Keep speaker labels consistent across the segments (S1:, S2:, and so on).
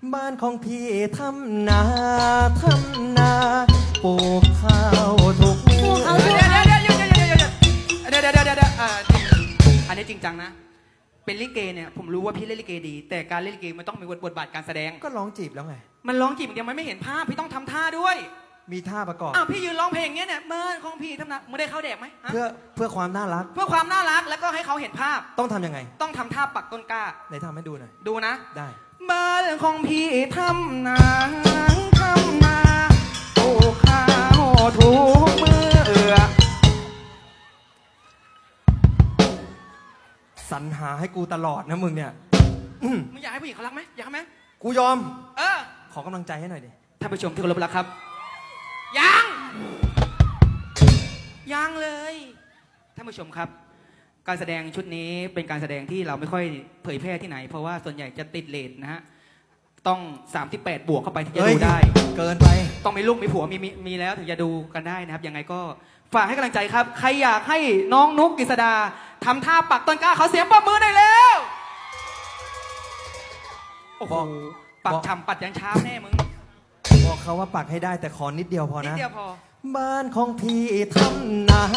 S1: บ้านของพี่ทำนาปลูกข้าวทุกมื้อ
S2: เดี๋ยวอันนี้จริงจังนะเป็นลิเกเนี่ยผมรู้ว่าพี่เล่นลิเกดีแต่การเล่นลิเกมันต้องมีบทบาทการแสดง
S1: ก็ร้องจีบแล้วไง
S2: มันร้องจีบอย่างเดียวมันไม่เห็นภาพพี่ต้องทำท่าด้วย
S1: มีท่าประกอบ
S2: พี่ยืนร้องเพลงเงี้ยเนี่ยเมื่อของพี่ทำนาไม่ได้เข้าแดกไหม
S1: เพื่อความน่ารัก
S2: เพื่อความน่ารักแล้วก็ให้เขาเห็นภาพ
S1: ต้องทำยังไง
S2: ต้องทำท่าปักต้นกล้า
S1: ไหนทำให้ดูหน่อย
S2: ดูนะ
S1: ได้
S2: บ้านของพี่ทำนาปลูกข้าวทุกมือ
S1: สรรหาให้กูตลอดนะมึงเนี่ย
S2: มึงอยากให้ผู้หญิงเขารักไหมอยากไหม
S1: กูยอม
S2: อ
S1: ขอกำลังใจให้หน่อยดิ
S2: ท่านผู้ชมที่เคารพรักครับยังเลยท่านผู้ชมครับ การแสดงชุดนี้เป็นการแสดงที่เราไม่ค่อยเผยแพร่ที่ไหน เพราะว่าส่วนใหญ่จะติดเลทนะฮะต้อง38บวกเข้าไปถึงจะดูได้
S1: เกินไป
S2: ต้องมีลูกมีผัวมีแล้วถึงจะดูกันได้นะครับยังไงก็ฝากให้กำลังใจครับใครอยากให้น้องนุ๊กกฤษดาทำท่าปักต้นกล้าเขาเสียงปรบมือได้แล้วโอ้โหปักฉ่ำปัดยันเช้าแน่มึง
S1: บอกเขาว่าปักให้ได้แต่ขอนิดเดียวพอ
S2: นิด
S1: นะ
S2: เดียวพอ
S1: บ้านของพี่ทำนา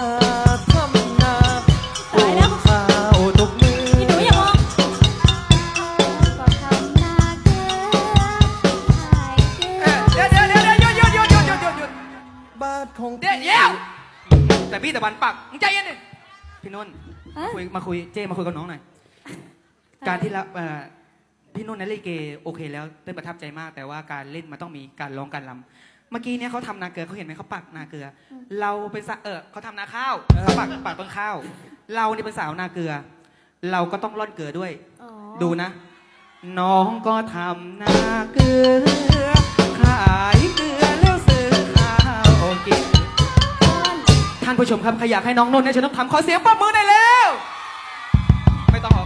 S1: ปลูกข้าวทุกมื้อ
S3: พี่หนูอย่ามองก็ทำนาเกลือขายเกลือ
S2: เดี๋ยวหยุด
S1: บ้านของ
S2: เดี๋
S1: พี่
S2: ยวแต่พี่ตะวันปักมึงใจเย็นดิพี่นุ่น
S3: ฮะ
S2: มาคุยเจ้มาคุยกับน้องหน่อยการที่รับพี่นุ่นนั้นเล่นลิเกโอเคแล้วเต้นประทับใจมาก แต่ว่าการเล่นมันต้องมีการร้องการรำเมื่อกี้เนี่ยเขาทำนาเกลือเขาเห็นไหมเขาปักนาเกลือ เราเป็นเขาทำนาข้าวเขาปักต้นข้าว เราเนี่ยเป็นสาวนาเกลือ เราก็ต้องร่อนเกลือด้วย
S3: อ๋อ
S2: ดูนะ น้องก็ทำนาเกลือขายเกลือแล้วซื้อข้าวกิน ท่านผู้ชมครับใครอยากให้น้องนุ่นเนี่ยฉันต้องทำขอเสียงปรบมือได้แล้วไม่ต้องออก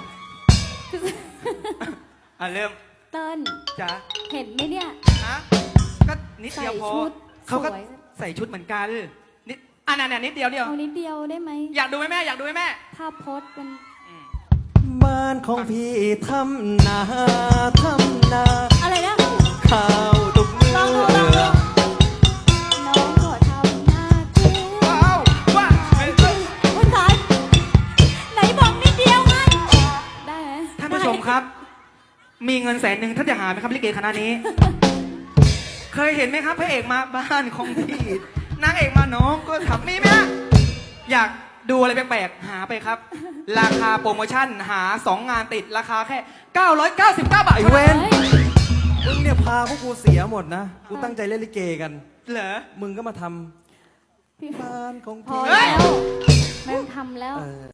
S2: เริ่ม
S3: เติ้ล
S2: จ้ะ
S3: เห็นไหมเนี่ย
S2: นะก็นิดเดียวพอ
S3: ใส่ชุด
S2: เขาก็
S3: สวย
S2: ใส่ชุดเหมือนกันนิดนิดเดียว
S3: เอานิดเดียวได้ไหม
S2: อยากดูไหมแม่อยากดูไหมแม่
S3: ภาพโพสเป็น
S1: บ้านของพี่ทำนา
S3: อะไรนะ
S1: ข้าวทุกมื้อ
S3: ลองดูน้องก็ทำนาเกลือ
S2: ว้าว
S3: คุณสายไหนบอกนิดเดียวไงได้ไหม
S2: ท่านผู้ชมครับ มีเงิน100,000ท่านจะหาไหมครับลิเกคณะนี้ เคยเห็นไหมครับพระเอกมาบ้านของพี่นางเอกมาน้องก็ทำมีไหมฮะอยากดูอะไรแปลกๆหาไปครับ ราคาโปรโมชั่นหา2งานติดราคาแค่999 บาท
S1: ไอ้เว้นมึงเนี่ยพาพวกกูเสียหมดนะ กูตั้งใจเล่นลิเกกัน
S2: เหรอ
S1: มึงก็มาท
S3: พี่
S1: ำบ้านของ
S3: พอ
S1: พี่
S3: แล้วไม่ต้องทำแล้ว